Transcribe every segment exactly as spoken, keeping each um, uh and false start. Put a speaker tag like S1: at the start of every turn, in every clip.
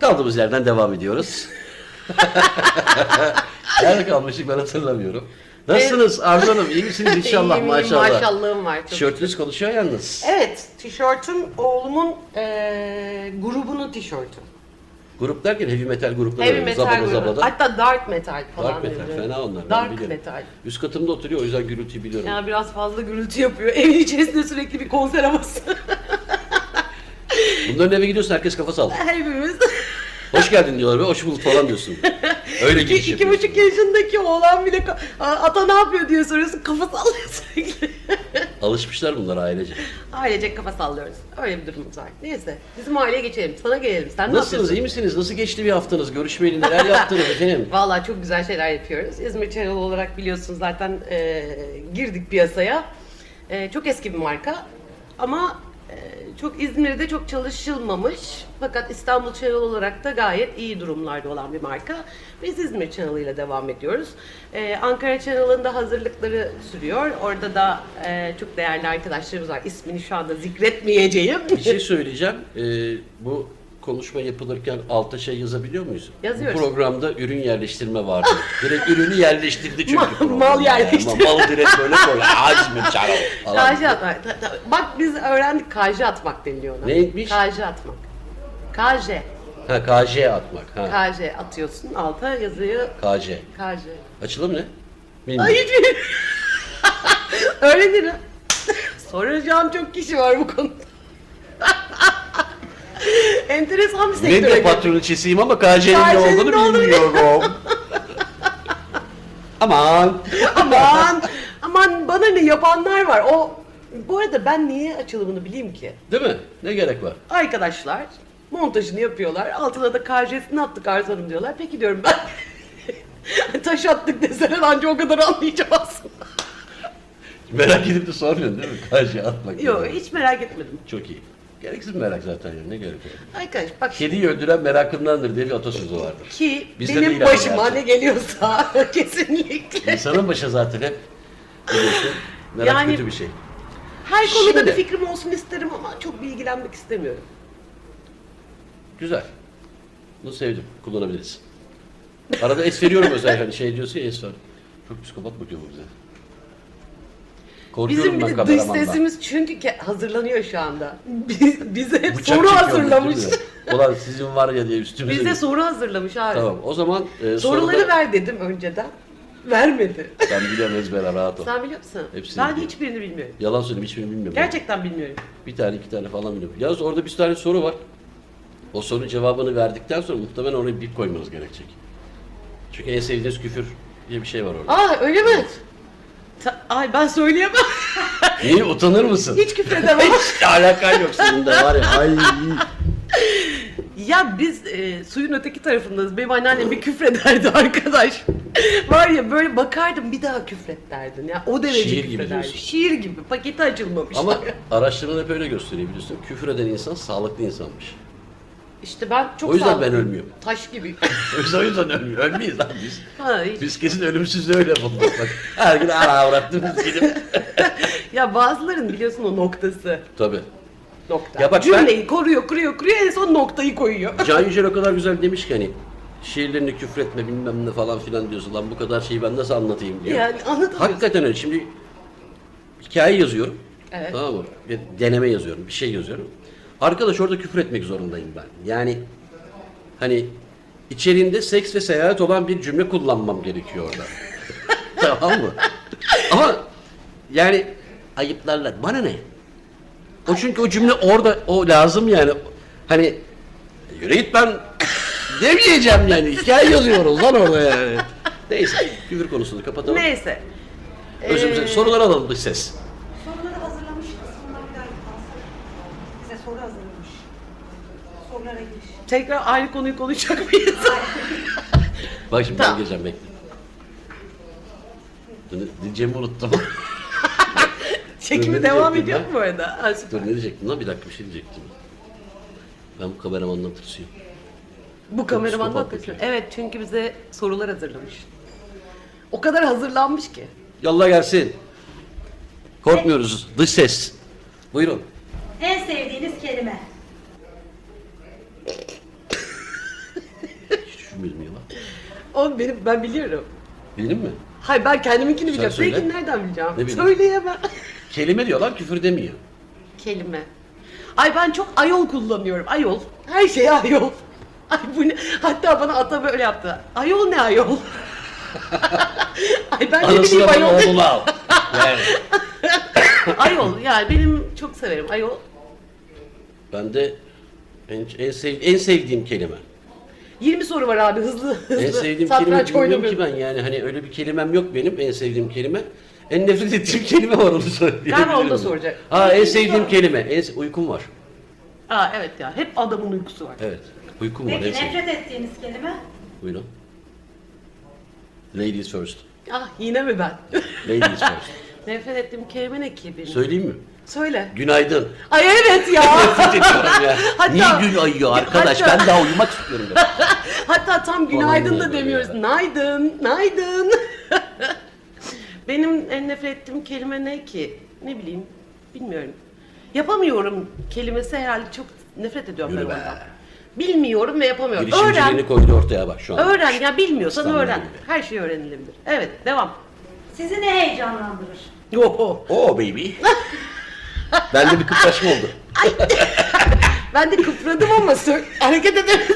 S1: Kaldığımız yerden devam ediyoruz. Nerede kalmıştık ben hatırlamıyorum. Nasılsınız Arzu Hanım? İyi misiniz inşallah?
S2: İyiyim, iyiyim,
S1: maşallah.
S2: maşallahım var. Çok
S1: Tişörtünüz konuşuyor yalnız.
S2: Evet, tişörtüm oğlumun eee grubunun tişörtü.
S1: Grup derken heavy metal grupları.
S2: Heavy
S1: var.
S2: metal
S1: Zabada
S2: grubu.
S1: zabada.
S2: Hatta dark metal falan.
S1: Dark metal
S2: dedi.
S1: fena onlar. ben
S2: Dark
S1: biliyorum.
S2: metal.
S1: Üst katımda oturuyor o yüzden gürültüyü biliyorum.
S2: Ya biraz fazla gürültü yapıyor. Evin içerisinde sürekli bir konser havası.
S1: Bunların eve gidiyorsun herkes kafa sallıyor.
S2: Hepimiz.
S1: Hoş geldin diyorlar ve hoş bulduk falan diyorsun. Öyle
S2: iki,
S1: giriş
S2: iki
S1: yapıyorsun.
S2: buçuk yaşındaki oğlan bile ka- ata ne yapıyor diye soruyorsun. Kafa sallıyor sürekli.
S1: Alışmışlar bunlar ailece.
S2: Ailecek kafa sallıyoruz. Öyle bir durumumuz var. Neyse bizim aileye geçelim. Sana gelelim. Sen ne
S1: Nasılsınız,
S2: yapıyorsun?
S1: iyi misiniz? Nasıl geçti bir haftanız? Görüşmeyeli neler yaptınız efendim?
S2: Vallahi çok güzel şeyler yapıyoruz. İzmir Channel olarak biliyorsunuz zaten e, girdik piyasaya. E, çok eski bir marka ama e, çok İzmir'de çok çalışılmamış. Fakat İstanbul Channel olarak da gayet iyi durumlarda olan bir marka. Biz İzmir Channel ile devam ediyoruz. E, Ankara Channel'ın da hazırlıkları sürüyor. Orada da e, çok değerli arkadaşlarımız var. İsmini şu anda zikretmeyeceğim.
S1: Bir şey söyleyeceğim. Ee, bu konuşma yapılırken alta şey yazabiliyor muyuz?
S2: Yazıyoruz.
S1: Bu programda ürün yerleştirme vardı. Direkt ürünü yerleştirdi çünkü
S2: Mal-
S1: program.
S2: mal
S1: Yani.
S2: yerleştirme.
S1: Mal direkt böyle koy. İzmir Channel falan.
S2: Kaji atmak. Ta- ta- Bak biz öğrendik kaji atmak deniliyor ona.
S1: Neymiş?
S2: Kaji atmak. Kaje.
S1: Ha K J atmak. Ha.
S2: Kaje atıyorsun alta yazıyı
S1: K J.
S2: kaje.
S1: Açılım ne? Bilmiyorum.
S2: Ay hiç bilmiyorum. Öyle değil mi? Soracağım çok kişi var bu konuda. Enteresan bir sektöre
S1: Ben de
S2: girdik.
S1: patroniçesiyim ama K J'nin ne
S2: K J'nin
S1: olduğunu
S2: ne olduğunu
S1: bilmiyorum. Aman.
S2: Aman, aman bana ne yapanlar var. O bu arada ben niye açılımını bileyim ki?
S1: Değil mi? Ne gerek var?
S2: Arkadaşlar montajını yapıyorlar. Altına da K J'sini attık Arzu Hanım diyorlar. Peki diyorum ben. Taş attık deseler anca o kadar anlayacağım aslında.
S1: Merak edip de sormuyorsun değil mi? K J atmak.
S2: Yok
S1: yani.
S2: hiç merak etmedim.
S1: Çok iyi. Gereksiz merak zaten yani. Ne gerek var?
S2: Arkadaş bak
S1: Kediyi öldüren merakındandır diye bir atasözü vardır.
S2: ki
S1: Bizde de
S2: benim
S1: ilan
S2: başıma
S1: gerçek.
S2: ne geliyorsa kesinlikle.
S1: İnsanın başı zaten hep biliyorsun. Merak
S2: Yani-
S1: kötü bir şey.
S2: Her konuda
S1: Şimdi-
S2: bir fikrim olsun isterim ama çok bilgilenmek istemiyorum.
S1: Güzel. Bunu sevdim. Kullanabiliriz. Arada es veriyorum özel hani şey diyorsun ya es var. Çok psikopat bakıyor bu bize. Korkuyorum
S2: Bizim
S1: ben
S2: bir de dış
S1: kameramandan.
S2: sesimiz çünkü ke- hazırlanıyor şu anda. Biz, bize hep
S1: Bıçak
S2: soru
S1: çekiyormuş,
S2: hazırlamış.
S1: değil mi? Ulan sizin var ya diye üstümüze.
S2: Bize soru hazırlamış abi.
S1: Tamam o zaman e,
S2: Soruları
S1: soruda-
S2: ver dedim önceden. Vermedi.
S1: Ben biliyorum ezbere rahat ol.
S2: Sen biliyor musun?
S1: Hepsini
S2: ben
S1: biliyorum.
S2: hiçbirini bilmiyorum.
S1: Yalan söyleyeyim hiçbirini bilmiyorum.
S2: Gerçekten bilmiyorum.
S1: Bir tane iki tane falan biliyorum. Yalnız orada bir tane soru var. O sorunun cevabını verdikten sonra muhtemelen oraya bip koymanız gerekecek. Çünkü en sevdiğiniz küfür diye bir şey var orada.
S2: Aa öyle mi? Ta- Ay ben söyleyemem.
S1: Niye utanır mısın?
S2: Hiç küfredemem.
S1: Hiç alakan yok senin de var ya. Ay.
S2: Ya biz e, suyun öteki tarafındayız. Benim anneannem bir küfrederdi arkadaş. Var ya böyle bakardım bir daha küfret derdin. Ya o derece
S1: Şiir gibi
S2: küfrederdi.
S1: diyorsun.
S2: Şiir gibi. Paketi açılmamış.
S1: Ama araştırmalar hep öyle gösteriyor biliyorsun. Küfür eden insan sağlıklı insanmış.
S2: İşte ben çok
S1: O yüzden
S2: sağlıklıyım.
S1: ben ölmüyorum.
S2: Taş gibi.
S1: Yoksa o yüzden ölmüyor. Ölmeyiz lan biz.
S2: Ha, hiç-
S1: Biz kesin ölümsüz öyle bulduk. Bak her gün ara avrattığımız gidip.
S2: Ya bazıların biliyorsun o noktası.
S1: Tabii.
S2: Nokta.
S1: Ya bak
S2: Cümleyi koruyor, kuruyor, kuruyor en son noktayı koyuyor.
S1: Can Yücel o kadar güzel demiş ki hani şiirlerini küfretme bilmem ne falan filan diyorsun. Lan bu kadar şeyi ben nasıl anlatayım diyor.
S2: Yani anlatamıyorsun.
S1: Hakikaten öyle. Şimdi hikaye yazıyorum.
S2: Evet.
S1: Tamam mı? Bir deneme yazıyorum. Bir şey yazıyorum. Arkadaş orada küfür etmek zorundayım ben. Yani hani içeriğinde seks ve seyahat olan bir cümle kullanmam gerekiyor orada. Tamam mı? Ama yani ayıplarlar. Bana ne? O çünkü o cümle orada o lazım yani. Hani yürü git ben demeyeceğim yani. Hikaye yazıyoruz lan orada yani. Neyse küfür konusunu kapatalım.
S2: Neyse.
S1: Özümüze
S2: Ee,
S1: sorular alalım dış ses.
S3: Soruları hazırlamışız. Sonra bir daha kalsın. Bize soru hazırlamış. Sorulara giriş.
S2: Tekrar aynı konuyu konuşacak mıyız?
S1: Bak şimdi
S2: Tamam.
S1: ben geleceğim bekle. Dur, Diyeceğimi unuttum.
S2: Çekimi
S1: Ne
S2: devam
S1: diyecektim
S2: ediyor
S1: ben?
S2: mu bu arada? Ha, süper.
S1: Dur ne diyecektim lan bir dakika bir şey diyecektim. Ben bu kameramandan tırsıyorum.
S2: Bu kameraman da
S1: psikopat
S2: haklısın.
S1: bakıyor.
S2: Evet çünkü bize sorular hazırlamış. O kadar hazırlanmış ki.
S1: Yolla gelsin. Korkmuyoruz. Dış ses. Buyurun.
S3: En sevdiğiniz kelime.
S2: Oğlum benim, ben biliyorum.
S1: Bildin mi?
S2: Hayır ben kendiminkini bileceğim.
S1: söyle.
S2: Seninkini nereden bileceğim?
S1: Ne bileyim.
S2: Söyleyemem.
S1: Kelime diyorlar, küfür demiyor.
S2: Kelime. Ay ben çok ayol kullanıyorum. Ayol. Her şey ayol. Ay bu ne? Hatta bana ata böyle yaptı. Ayol ne ayol? Ay ben ne bileyim
S1: Anasına bana
S2: ayol.
S1: oğlunu al. Yani.
S2: Ayol yani benim çok severim ayol.
S1: Ben de en, en, sev, en sevdiğim kelime.
S2: yirmi soru var abi hızlı hızlı.
S1: En sevdiğim
S2: Satranç
S1: kelime bilmiyorum ki
S2: oynamıyorum.
S1: ben yani hani öyle bir kelimem yok benim en sevdiğim kelime. En nefret ettiğim kelime var onu söyleyebilirim.
S2: Galiba onu da soracak.
S1: Ha en sevdiğim kelime. En, se- uykum var.
S2: Aa evet ya hep adamın uykusu var.
S1: Evet. Uykum var.
S3: Peki
S1: En sevdiğim.
S3: nefret ettiğiniz kelime?
S1: Buyurun. Ladies first.
S2: Ah yine mi ben?
S1: Ladies first.
S2: Nefret ettiğim kelime ne ki benim?
S1: Söyleyeyim mi?
S2: Söyle.
S1: Günaydın.
S2: Ay evet ya.
S1: Nefret ediyorum ya.
S2: Hatta-
S1: Niye gün ayıyor arkadaş?
S2: Hatta-
S1: Ben daha uyumak istiyorum. Ben.
S2: Hatta tam günaydın
S1: Falan
S2: da
S1: böyle
S2: demiyoruz.
S1: ya.
S2: Naydın, naydın. Benim en nefret ettiğim kelime ne ki? Ne bileyim, bilmiyorum. Yapamıyorum kelimesi herhalde çok nefret ediyorum
S1: Yürü
S2: ben
S1: be.
S2: ondan. Bilmiyorum ve yapamıyorum. Öğren,
S1: Girişimciliğini koydu ortaya bak şu an.
S2: öğren. Ya bilmiyorsan
S1: İstanbul
S2: öğren.
S1: gibi.
S2: Her şey öğrenilebilir. Evet, devam.
S3: Sizi ne heyecanlandırır?
S2: Oho.
S1: Oh baby. Bende bir kıpraşma oldu.
S2: Ben de kıpradım ama sö- hareket edemedim.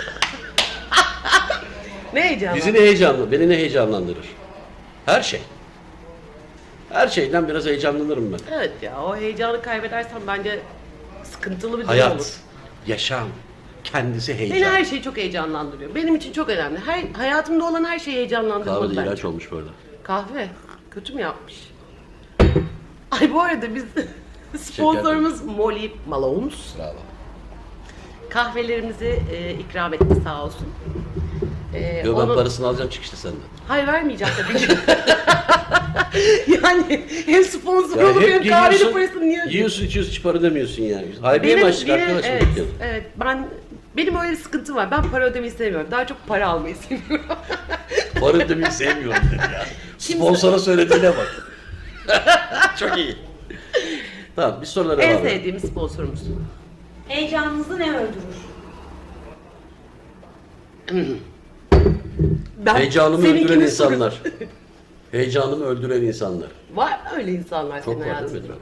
S2: Ne heyecanlı.
S1: Bizi ne heyecanlı, beni ne heyecanlandırır? Her şey. Her şeyden biraz heyecanlanırım ben.
S2: Evet ya, o heyecanı kaybedersen bence sıkıntılı bir durum
S1: Hayat,
S2: olur.
S1: yaşam, kendisi
S2: Beni
S1: heyecan.
S2: her şey çok heyecanlandırıyor. Benim için çok önemli. Her hayatımda olan her şey heyecanlandırmalı
S1: Kahve de
S2: bence.
S1: ilaç olmuş böyle.
S2: Kahve. Kötü mü yapmış? Ay bu arada biz sponsorumuz Molly Malone's.
S1: Bravo.
S2: Kahvelerimizi e, ikram etti sağ olsun. E,
S1: Yo ben
S2: onu-
S1: parasını alacağım çıkışta senden.
S2: Hayır vermeyeceğim tabii ki. Yani hem sponsor
S1: Ya
S2: olup
S1: hep
S2: hem kahvenin
S1: geliyorsun,
S2: parasını niye
S1: yiyorsun içiyorsun hiç para ödemiyorsun yani. Haybiye mi açtık
S2: benim-
S1: arkadaş mı
S2: evet,
S1: dükkanı?
S2: evet, ben benim öyle bir sıkıntım var. Ben para ödemeyi sevmiyorum. Daha çok para almayı seviyorum.
S1: Para ödemeyi sevmiyorum dedi ya.
S2: Şimdi-
S1: Sponsora söylediğine bak. Çok iyi. Tamam bir sorulara
S2: En
S1: devam edelim.
S2: sevdiğimiz sponsorumuz.
S3: Heyecanınızı ne öldürür?
S2: Ben
S1: Heyecanımı
S2: seninkini
S1: öldüren
S2: soruyorum.
S1: insanlar. Heyecanımı öldüren insanlar.
S2: Var mı öyle insanlar
S1: Çok
S2: senin
S1: var değil
S2: hayatında?
S1: mi?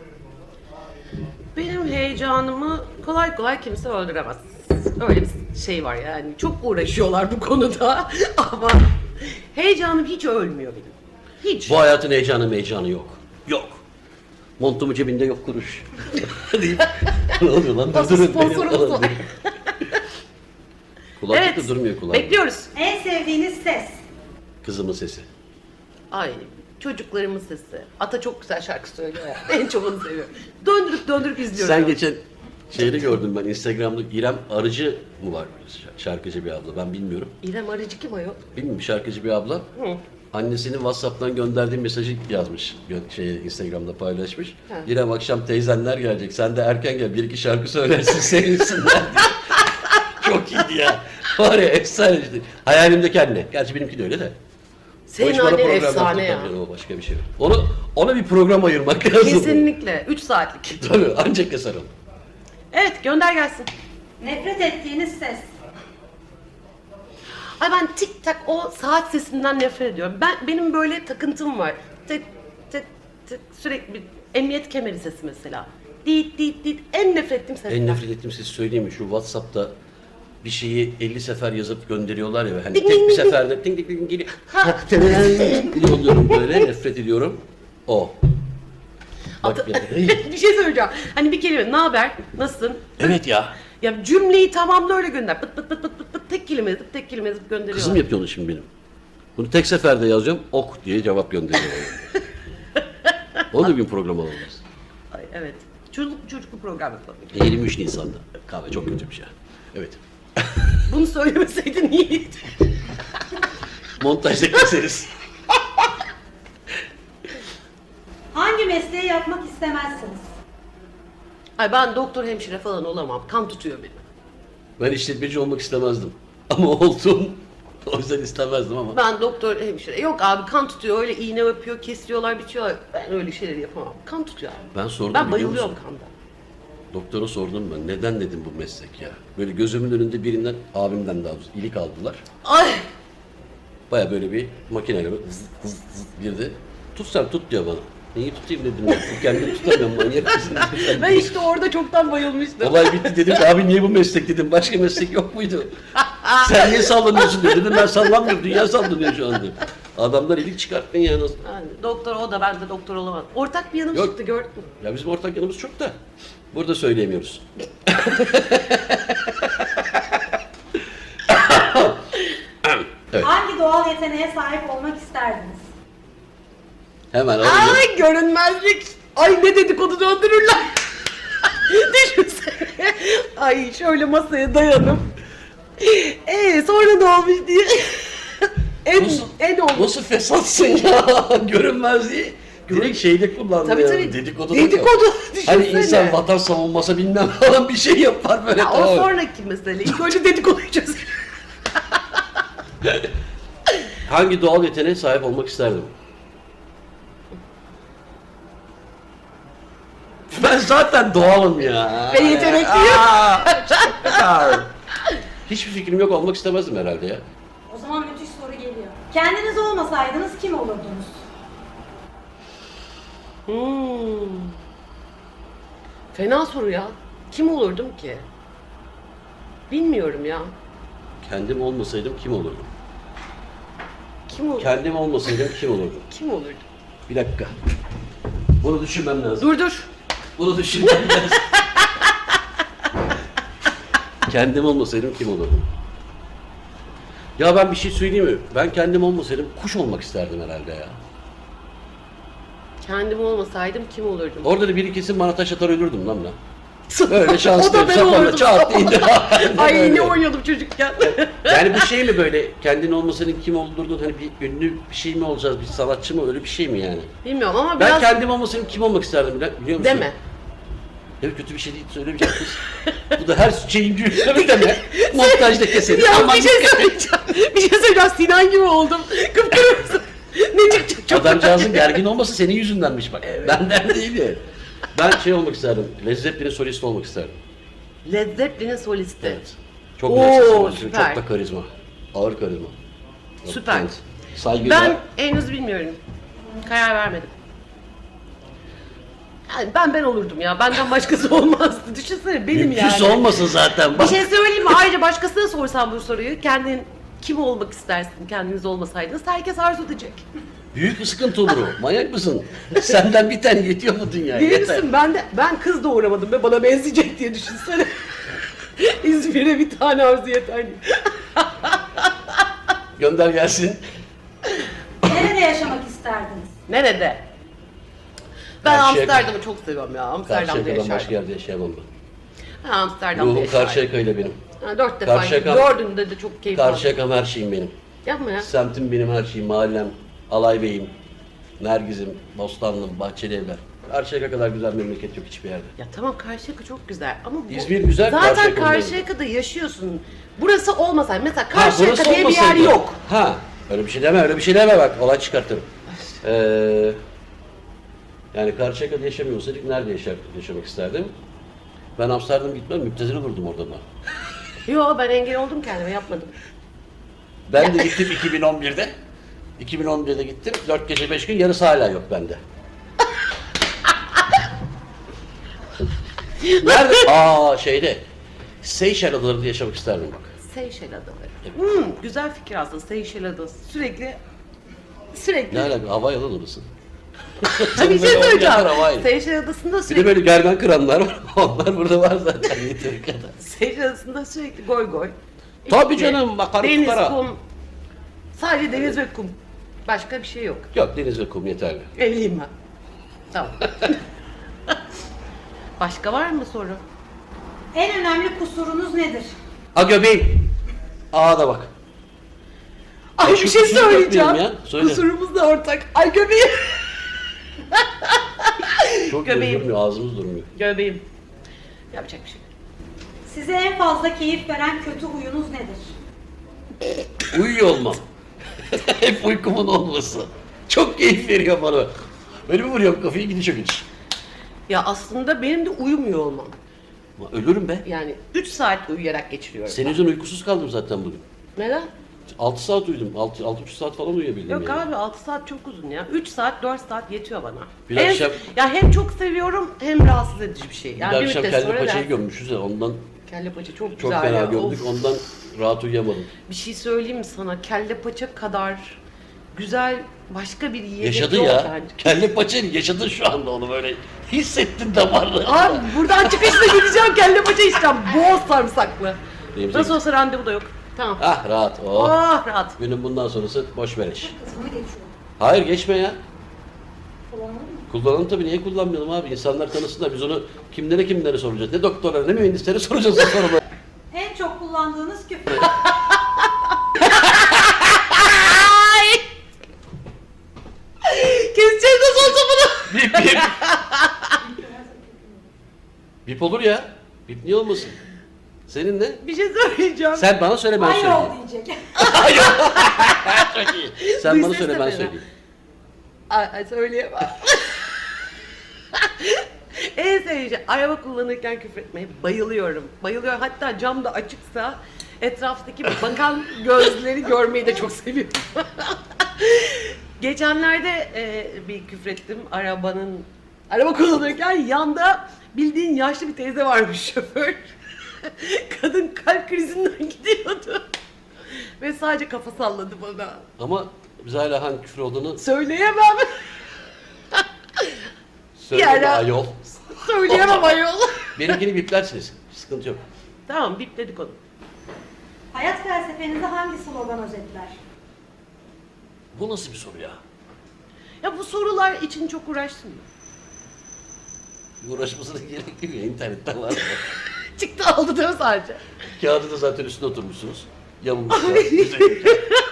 S2: Benim heyecanımı kolay kolay kimse öldüremez. Öyle bir şey var yani. Çok uğraşıyorlar bu konuda ama heyecanım hiç ölmüyor benim. Hiç.
S1: Bu hayatın heyecanı heyecanı yok. Yok. Montumu cebinde yok kuruş. deyip ne oluyor lan?
S2: Nasıl
S1: Durdurun beni
S2: sponsorumuz
S1: falan
S2: var?
S1: diye. Kulaklık
S2: Evet.
S1: da durmuyor kulağımda.
S2: Bekliyoruz.
S3: En sevdiğiniz ses?
S1: Kızımın sesi.
S2: Ay çocuklarımın sesi. Ata çok güzel şarkı söylüyor ya. En çok onu seviyorum. Döndürüp döndürüp izliyorum.
S1: Sen geçen şeyde gördüm ben Instagram'da İrem Arıcı mı var şarkıcı bir abla ben bilmiyorum.
S2: İrem Arıcı kim ayol?
S1: Bilmiyorum şarkıcı bir abla.
S2: Hı.
S1: Annesinin WhatsApp'tan gönderdiği mesajı yazmış. Gö- Şey, Instagram'da paylaşmış.
S2: Ha.
S1: İrem akşam teyzenler gelecek. Sen de erken gel. Bir iki şarkı söylersin sevinsinler diye. Çok iyiydi ya. Var ya efsane işte. Hayalimdeki anne. Gerçi benimki de öyle de. O
S2: Senin
S1: iş bana
S2: annen
S1: program
S2: efsane ya.
S1: yaptı. O başka bir şey. Onu, ona bir program ayırmak lazım.
S2: Kesinlikle. üç saatlik.
S1: Tabii ancak keser onu.
S2: Evet gönder gelsin.
S3: Nefret ettiğiniz ses?
S2: Ay ben tik tak o saat sesinden nefret ediyorum. Ben benim böyle takıntım var. Tık tık tık sürekli bir emniyet kemeri sesi mesela. Dit dit dit en nefret ettiğim ses.
S1: En nefret ettiğim sesi söyleyeyim mi? Şu WhatsApp'ta bir şeyi elli sefer yazıp gönderiyorlar ya. Hani
S2: Ding
S1: tek
S2: ding
S1: bir
S2: ding
S1: seferde ding ding ding geliyor.
S2: Ha.
S1: oluyorum böyle nefret ediyorum. O. Bak ya.
S2: bir şey söyleyeceğim. Hani bir kelime ne haber? Nasılsın?
S1: Evet ya.
S2: Ya cümleyi tamamla öyle gönder. Pıt pıt pıt pıt pıt pıt tek kelime yazıp tek kelime yazıp gönderiyor.
S1: Kızım yapıyor onu şimdi benim. Bunu tek seferde yazacağım. Ok diye cevap gönderiyor. Onu da bir program alalım.
S2: Ay, evet. Çocuk çocuklu program yapalım.
S1: yirmi üç Nisan'da. Kahve çok kötü bir şey. Evet.
S2: Bunu söylemeseydin iyiydi.
S1: Montajda keseriz.
S3: Hangi mesleği yapmak istemezsiniz?
S2: Ay ben doktor hemşire falan olamam. Kan tutuyor beni.
S1: Ben işletmeci olmak istemezdim. Ama oldum. O yüzden istemezdim ama.
S2: Ben doktor hemşire. Yok abi kan tutuyor. Öyle iğne yapıyor, kesiyorlar, biçiyorlar. Ben öyle şeyleri yapamam. Kan tutuyor abi.
S1: Ben sordum
S2: Ben
S1: biliyor
S2: bayılıyorum
S1: musun?
S2: kandan.
S1: Doktora sordum ben. Neden dedim bu meslek ya? Böyle gözümün önünde birinden, abimden daha doğrusu ilik aldılar.
S2: Ay
S1: Baya böyle bir makineyle böyle zıt zıt zıt girdi. Tut sen tut diyor bana. Neyi tutayım dedim ya. Kendimi tutamıyorum manyak mısın? dedim.
S2: Ben işte orada çoktan bayılmıştım.
S1: Olay bitti dedim ki abi niye bu meslek dedim. Başka meslek yok muydu? Sen niye sallanıyorsun dedi. Dedim ben sallanmıyorum. Dünya sallanıyor şu anda. Adamlar ilik çıkarttın ya nasıl?
S2: Yani doktor o da ben de doktor olamadım. Ortak bir yanım
S1: Yok.
S2: çıktı gördün mü?
S1: Ya bizim ortak yanımız çok da. Burada söyleyemiyoruz. Evet.
S3: Hangi doğal yeteneğe sahip olmak isterdiniz?
S1: Hemen alalım.
S2: Ay görünmezlik. Ay ne dedikodu döndürürler. Düşünsene. Ay şöyle masaya dayanıp. Ee sonra ne olmuş diye. en
S1: Nasıl,
S2: en olmuş.
S1: nasıl fesatsın ya? Görünmezliği. Direkt şeyde kullandı
S2: Tabii
S1: ya.
S2: tabii.
S1: Dedikodu.
S2: Dedikodu.
S1: Hani
S2: Düşünsene.
S1: insan vatan savunması bilmem falan bir şey yapar böyle.
S2: Ya o
S1: tamam.
S2: sonraki mesele. İlk önce dedikoduyu çözelim.
S1: Hangi doğal yeteneğe sahip olmak isterdim? Ben zaten doğalım ya.
S2: Ve yetenekliyim.
S1: Aa, çok güzel. Hiçbir fikrim yok olmak istemezdim herhalde ya.
S3: O zaman müthiş soru geliyor. Kendiniz olmasaydınız kim olurdunuz?
S2: Hmm. Fena soru ya. Kim olurdum ki? Bilmiyorum ya.
S1: Kendim olmasaydım kim olurdum?
S2: Kim olurdum?
S1: Kendim olmasaydım kim olurdum?
S2: Kim olurdum?
S1: Bir dakika. Bunu düşünmem lazım.
S2: Dur dur.
S1: Bunu düşünmem lazım. Kendim olmasaydım kim olurdum? Ya ben bir şey söyleyeyim mi? Ben kendim olmasaydım kuş olmak isterdim herhalde ya.
S2: Kendim olmasaydım kim olurdum?
S1: Orada da biri kesin bana taş atar ölürdüm lan ben. Böyle şanslı.
S2: O da ben
S1: sapanla
S2: olurdum.
S1: çat indi.
S2: Ay
S1: Böyle.
S2: ne oynuyordum çocukken.
S1: Yani bu şey mi böyle kendin olmasaydın kim olurdun hani bir ünlü bir şey mi olacağız bir sanatçı mı öyle bir şey mi yani?
S2: Bilmiyorum ama
S1: Ben
S2: biraz
S1: kendim olmasaydım kim olmak isterdim bile- biliyor musun?
S2: deme.
S1: Evet kötü bir şey değil söylemeyeceğim kız. Bu da her şeyin gülüyor deme. Montajda keselim.
S2: Ya
S1: Aman
S2: bir şey
S1: dikkat et.
S2: söyleyeceğim. Bir şey söyleyeceğim. Sinan gibi oldum. Kıpkırmızı. Ne çıkacak çok
S1: Adamcağızın gergin olması senin yüzündenmiş bak. Benden değil ya. Ben şey olmak isterdim. Led Zeppelin'in solisti olmak isterdim.
S2: Led Zeppelin'in solisti.
S1: Evet. Çok
S2: Oo,
S1: güzel sesi var. Çok
S2: süper.
S1: da karizma. Ağır karizma.
S2: Süper.
S1: Evet. Saygıyla.
S2: Ben henüz bilmiyorum. Karar vermedim. Yani ben ben olurdum ya. Benden başkası olmazdı. Düşünsene benim
S1: Mümkünse
S2: yani.
S1: olmasın zaten.
S2: Bir
S1: Bak.
S2: şey söyleyeyim mi? Ayrıca başkasına sorsam bu soruyu. Kendin kim olmak istersin kendiniz olmasaydınız? Herkes arzu edecek.
S1: Büyük bir sıkıntı olur o. Manyak mısın? Senden bir tane yetiyor mu dünyaya?
S2: Değil
S1: Yeter.
S2: misin? Ben de ben kız doğuramadım ve bana benzeyecek diye düşünsene. İzmir'e bir tane arzu yeter.
S1: Gönder gelsin.
S3: Nerede yaşamak isterdiniz?
S2: Nerede? Ben
S1: Karşıyaka.
S2: Amsterdam'ı çok seviyorum ya. Amsterdam'da
S1: Karşıyaka'dan başka
S2: yaşardım.
S1: yerde yaşayamam ben.
S2: Ha, Amsterdam'da
S1: Ruhum
S2: yaşardım.
S1: Karşıyaka ile benim.
S2: Ha, dört defa
S1: Karşıyaka-
S2: dördünde de çok keyif aldım.
S1: Karşıyaka'm her şeyim benim.
S2: Yapma ya.
S1: Semtim benim her şeyim, mahallem, Alay Bey'im, Nergiz'im, Bostanlım, Bahçeli Evler. Karşıyaka kadar güzel memleket yok hiçbir yerde.
S2: Ya tamam Karşıyaka çok güzel ama bu...
S1: İzmir güzel,
S2: Zaten
S1: Karşıyaka olmalı.
S2: Karşıyaka'da yaşıyorsun. Burası olmasa mesela
S1: Ha,
S2: Karşıyaka
S1: burası
S2: diye bir yer
S1: olmasaydı-
S2: yok.
S1: Ha, öyle bir şey deme, öyle bir şey deme bak, olay çıkartırım. Ee, yani Karşıyaka'da yaşamıyor olsaydık nerede yaşar, yaşamak isterdim? Ben Amsterdam'a gitmem, müptezel olurdum orada da.
S2: Yo ben engel oldum kendime yapmadım.
S1: Ben de gittim iki bin on birde. iki bin on birde gittim, dört gece beş gün, yarısı hala yok bende. Nerede? Aa şeyde, Seyşel Adaları'nda yaşamak isterdim bak.
S2: Seyşel Adaları. Hmm, güzel fikir aslında Seyşel Adası. Sürekli sürekli
S1: Ne alaka, Havai Adaları orası.
S2: bir şey
S1: Böyle
S2: söyleyeceğim.
S1: oynayanlar Havai.
S2: Seyşel Adası'nda
S1: Bir de
S2: sürekli
S1: böyle gergen kıranlar var. Onlar burada var zaten yeteri kadar.
S2: Seyşel Adası'nda sürekli goy goy.
S1: Tabii
S2: İşte
S1: canım, bakarım
S2: Deniz,
S1: fukara.
S2: kum. Sadece deniz ve kum. Başka bir şey yok.
S1: Yok, deniz ve kum yeterli.
S2: Evliyim ben. Tamam. Başka var mı soru?
S3: En önemli kusurunuz nedir?
S1: A göbeğim. Aa da bak.
S2: Ay
S1: Ya
S2: bir
S1: şu
S2: şey
S1: kusuru yok
S2: söyleyeceğim.
S1: benim ya, söyle.
S2: Kusurumuz da ortak. Ay göbeğim.
S1: Çok
S2: Göbeğim.
S1: durmuyor, ağzımız durmuyor.
S2: Göbeğim. Yapacak bir şey yok.
S3: Size en fazla keyif veren kötü huyunuz nedir?
S1: Uyuyor olmam. Hep uykumun olması. Çok keyif veriyor bana. Böyle mi vuruyorum kafayı gidişe gidiş.
S2: Ya aslında benim de uyumuyor olmam.
S1: Ama ölürüm be.
S2: Yani üç saat uyuyarak geçiriyorum.
S1: Senin yüzünden uykusuz kaldım zaten bugün.
S2: Neden?
S1: altı saat uyudum. altı altı buçuk saat falan uyuyabildim
S2: Yok
S1: yani.
S2: abi altı saat çok uzun ya. üç saat dört saat yetiyor bana.
S1: Bir
S2: En-
S1: akşam-
S2: Ya hem çok seviyorum hem rahatsız edici bir şey.
S1: Bir
S2: Yani
S1: de
S2: bir
S1: akşam
S2: müddet
S1: kelle
S2: sonra
S1: paçayı
S2: rahatsız-
S1: gömmüşüz ya ondan
S2: Kelle paça çok,
S1: çok
S2: güzel
S1: fena
S2: ya.
S1: gömdük.
S2: Of.
S1: Ondan rahat uyuyamadım.
S2: Bir şey söyleyeyim mi sana? Kelle paça kadar güzel başka bir yiyecek
S1: Yaşadı
S2: yok
S1: ya.
S2: bence.
S1: Kelle paçayı yaşadın şu anda onu böyle. Hissettin damarlı.
S2: Abi buradan çıkışta gideceğim kelle paça içeceğim. Bol sarımsaklı.
S1: Benim
S2: Nasıl
S1: zevk-
S2: olsa randevu da yok. Tamam.
S1: Ah rahat. Oh.
S2: Oh rahat.
S1: Günün bundan sonrası boş beleş.
S3: Kızını geçiyor.
S1: Hayır geçme ya.
S3: Kullanalım mı?
S1: Kullanalım tabii, niye kullanmayalım abi? İnsanlar tanısınlar. Biz onu kimlere kimlere soracağız? Ne doktorlara ne mühendislere soracağız o soruları.
S3: En çok kullandığınız küfür.
S2: Keseceğiz nasıl olsa bunu.
S1: Bip bip. Bip olur ya. Bip niye olmasın? Senin ne?
S2: Bir şey söyleyeceğim.
S1: Sen bana söyle ben
S3: Hayır
S1: söyleyeyim.
S3: ol diyecek.
S1: Çok iyi. Sen
S2: Duy
S1: bana
S2: ses
S1: söyle
S2: de
S1: ben
S2: fena.
S1: söyleyeyim.
S2: Ay, ay söyleyemem. En sevdiğim şey, araba kullanırken küfretmeye bayılıyorum. Bayılıyorum. Hatta cam da açıksa etraftaki bakan gözleri görmeyi de çok seviyorum. Geçenlerde e, bir küfrettim arabanın araba kullanırken, yanda bildiğin yaşlı bir teyze varmış şoför. Kadın kalp krizinden gidiyordu. Ve sadece kafa salladı bana.
S1: Ama biz hala hangi küfür olduğunu
S2: Söyleyemem.
S1: söyleme
S2: Yani-
S1: ayol.
S2: Söyleyemem ayol.
S1: Benimkini biplersiniz. Sıkıntı yok.
S2: Tamam bipledik onu.
S3: Hayat felsefenizi hangi slogan özetler?
S1: Bu nasıl bir soru ya?
S2: Ya bu sorular için çok uğraştım.
S1: Uğraşmasına gerek yok ya. İnternette var.
S2: Çıktı aldı değil mi sadece?
S1: Kağıdı da zaten üstüne oturmuşsunuz. Yamulmuşlar. Güzel.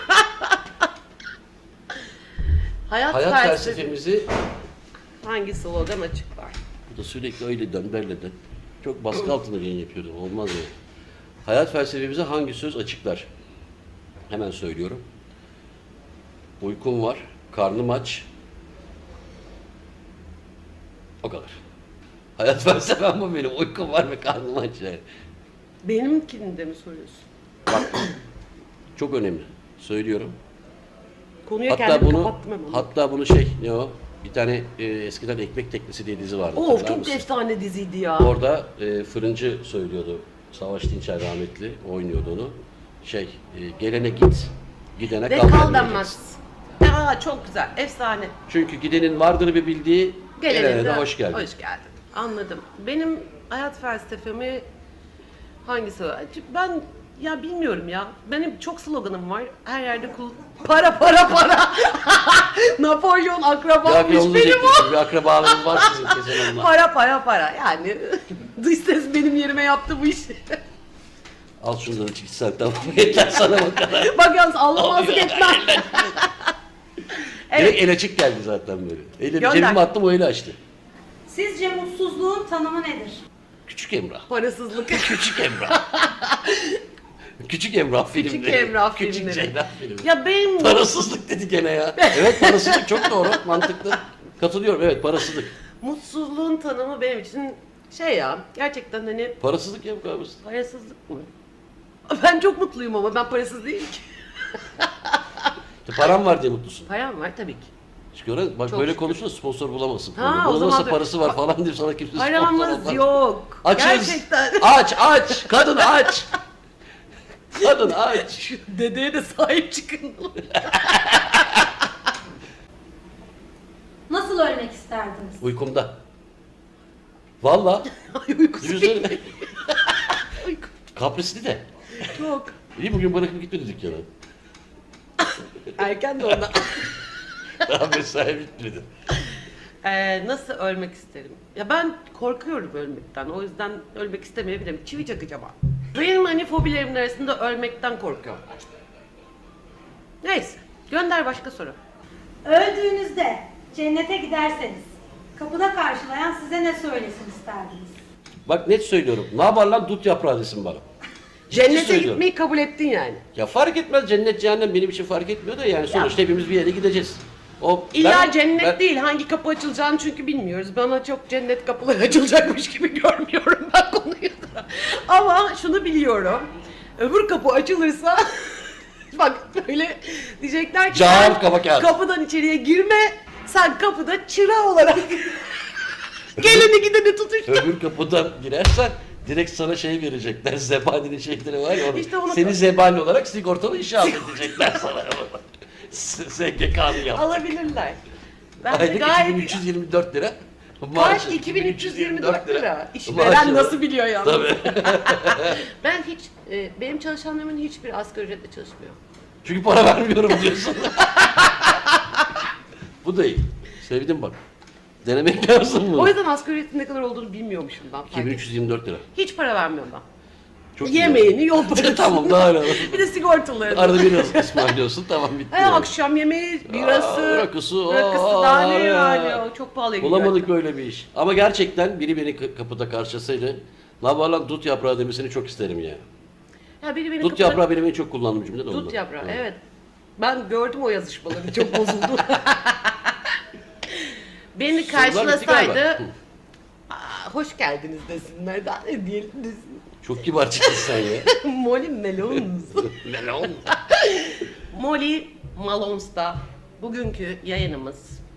S2: Hayat,
S1: Hayat
S2: felsefe-
S1: felsefemizi
S2: hangi slogan açıklar?
S1: bu da sürekli öyle dön böyle dön. Çok baskı altında yayın yapıyordum. Olmaz ya. Hayat felsefemize hangi söz açıklar? Hemen söylüyorum. Uykum var, karnım aç. O kadar. Hayat felsefem bu benim. Uykum var ve karnım aç yani.
S2: Benimkini de mi soruyorsun?
S1: Bak, çok önemli. Söylüyorum.
S2: Konuya
S1: Hatta
S2: kendimi
S1: bunu,
S2: kapattım hemen.
S1: hatta bunu şey, ne o? Bir tane e, eskiden Ekmek Teknesi diye dizi vardı.
S2: Of
S1: hatırlar
S2: çok
S1: mısın?
S2: efsane diziydi ya.
S1: Orada e, fırıncı söylüyordu. Savaş Dinçer rahmetli oynuyordu onu. Şey, e, gelene git, gidene
S2: Ve
S1: kal,
S2: kal
S1: denmeyeceksin.
S2: denmez. Ya çok güzel, efsane.
S1: Çünkü gidenin vardır bir bildiği, gelene,
S2: Gelene
S1: de hoş geldin.
S2: Hoş geldin. Anladım. Benim hayat felsefemi hangisi var? Ben ya bilmiyorum ya. Benim çok sloganım var. Her yerde kul... Para para para. Napolyon
S1: Ya
S2: akrabammış
S1: bir yolunu
S2: benim o.
S1: diyeceksin, bir akrabalarınız var sizin kesin onlar.
S2: Para para para. Yani dış ses benim yerime yaptı bu işi.
S1: Al şundan iç sen tamam yeter sana o kadar.
S2: Bak yalnız anlamazlık etmem.
S1: Direkt el açık geldi zaten böyle. Eli
S2: Gönder.
S1: cebime attım o eli açtı.
S3: Sizce mutsuzluğun tanımı nedir?
S1: Küçük Emrah.
S2: Parasızlık.
S1: Küçük Emrah. Küçük Emrah filmleri.
S2: Küçük Emrah
S1: Küçük
S2: filmleri.
S1: Ceylan filmleri.
S2: Ya benim
S1: Parasızlık dedi gene ya. Evet parasızlık çok doğru, mantıklı. Katılıyorum evet parasızlık.
S2: mutsuzluğun tanımı benim için şey ya gerçekten hani
S1: Parasızlık ya bu kadar basit.
S2: parasızlık mı? Ben çok mutluyum ama ben parasız değilim ki.
S1: İşte param var diye mutlusun.
S2: Param var tabii ki.
S1: Çünkü öyle, bak
S2: Çok
S1: böyle
S2: şükür.
S1: konuşunca sponsor bulamazsın.
S2: Ha,
S1: Ha,
S2: o
S1: Bunun
S2: zaman
S1: nasıl
S2: da-
S1: parası var falan diye sana kimse sponsor
S2: Paramız
S1: olmaz.
S2: yok.
S1: Açız.
S2: Gerçekten.
S1: Aç aç. Kadın aç. Kadın aç.
S2: Şu dedeye de sahip çıkın.
S3: Nasıl ölmek isterdiniz?
S1: Uykumda. Valla.
S2: Ay uykusu
S1: Düşünsene.
S2: değil. Uyku
S1: Kaprisli de.
S2: çok.
S1: İyi bugün bırakıp gitmedi dükkana.
S2: Erken de ondan.
S1: Daha mesai bitmedi.
S2: Ee, nasıl ölmek isterim? Ya ben korkuyorum ölmekten. O yüzden ölmek istemeyebilirim. Çivi çakacağım abi. Benim hani fobilerimin arasında ölmekten korkuyorum. Neyse. Gönder başka soru.
S3: Öldüğünüzde cennete giderseniz kapıda karşılayan size ne söylesin isterdiniz?
S1: Bak net söylüyorum. Ne yapar lan dut yaprağı desin bana. Ciddi
S2: Cennete
S1: söylüyorum.
S2: gitmeyi kabul ettin yani.
S1: Ya fark etmez cennet cehennem benim için fark etmiyor da yani sonuçta hepimiz bir yere gideceğiz. O
S2: İlla
S1: ben-
S2: cennet
S1: ben-
S2: değil. Hangi kapı açılacağını çünkü bilmiyoruz. Bana çok cennet kapıları açılacakmış gibi görmüyorum ben konuyu da. Ama şunu biliyorum. Öbür kapı açılırsa Bak böyle diyecekler ki
S1: Cam,
S2: sen
S1: kaba kağıt.
S2: kapıdan içeriye girme, sen kapıda çıra olarak geleni gideni tutuştur.
S1: Öbür kapıdan girersen direkt sana şey verecekler. Zebaninin şeyleri var ya. Onu,
S2: İşte onu-
S1: seni zebani olarak sigortalı işe edecekler sana. S G K'nı yap.
S2: Alabilirler. Ben de
S1: Aylık
S2: gayet...
S1: iki bin üç yüz yirmi dört lira.
S2: Kaç?
S1: Maaşı
S2: iki bin üç yüz yirmi dört lira. İşveren
S1: Maaşı-
S2: nasıl biliyor ya?
S1: Tabii.
S2: Ben hiç, e, benim çalışanlarımın hiçbir asgari ücretle çalışmıyor.
S1: Çünkü para vermiyorum diyorsun. Bu da iyi. Sevdim bak. Denemek lazım
S2: O
S1: bunu.
S2: yüzden asgari ücretin ne kadar olduğunu bilmiyormuşum ben. fark
S1: iki bin üç yüz yirmi dört lira.
S2: ettim. Hiç para vermiyorum ben.
S1: Çok iyi.
S2: Yemeğini, yol parasını.
S1: Tamam, daha öyle.
S2: Bir de sigortalarını.
S1: Arada biraz ısmarlıyorsun, tamam bitti.
S2: He,
S1: yani.
S2: akşam yemeği, birası,
S1: Aa, rakısı,
S2: rakısı
S1: aa,
S2: daha ne
S1: ya.
S2: yani o çok pahalıya gidiyor.
S1: Bulamadık böyle bir iş. Ama gerçekten biri beni k- kapıda karşılasaydı, la var lan dut yaprağı demesini çok isterim ya.
S2: Ya biri beni
S1: Dut
S2: kapıda-
S1: yaprağı benim en çok kullandığım cümle de ondan.
S2: Dut yaprağı,
S1: Evet.
S2: evet. Ben gördüm o yazışmaları, çok bozuldu. Beni
S1: Sorular bitti
S2: karşılasaydı,
S1: galiba. Hı.
S2: "Aa, hoş geldiniz desinler, daha ne diyelim desin.
S1: Çok kibar çıktın sen ya.
S2: Molly Malones.
S1: Melon.
S2: Molly Malones'ta bugünkü yayınımız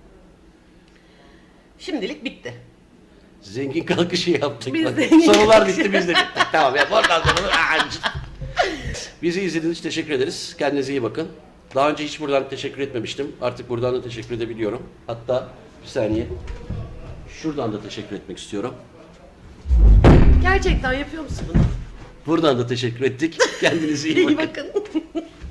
S2: şimdilik bitti.
S1: Zengin kalkışı yaptık.
S2: Biz
S1: Bak,
S2: zengin
S1: Sorular
S2: kalkışı.
S1: bitti biz de bittik. Tamam ya oradan sonra. Aa, Bizi izlediğiniz için teşekkür ederiz. Kendinize iyi bakın. Daha önce hiç buradan teşekkür etmemiştim. Artık buradan da teşekkür edebiliyorum. Hatta bir saniye. Şuradan da teşekkür etmek istiyorum.
S2: Gerçekten yapıyor musun bunu?
S1: Buradan da teşekkür ettik. Kendinize iyi
S2: İyi
S1: bakın.
S2: bakın.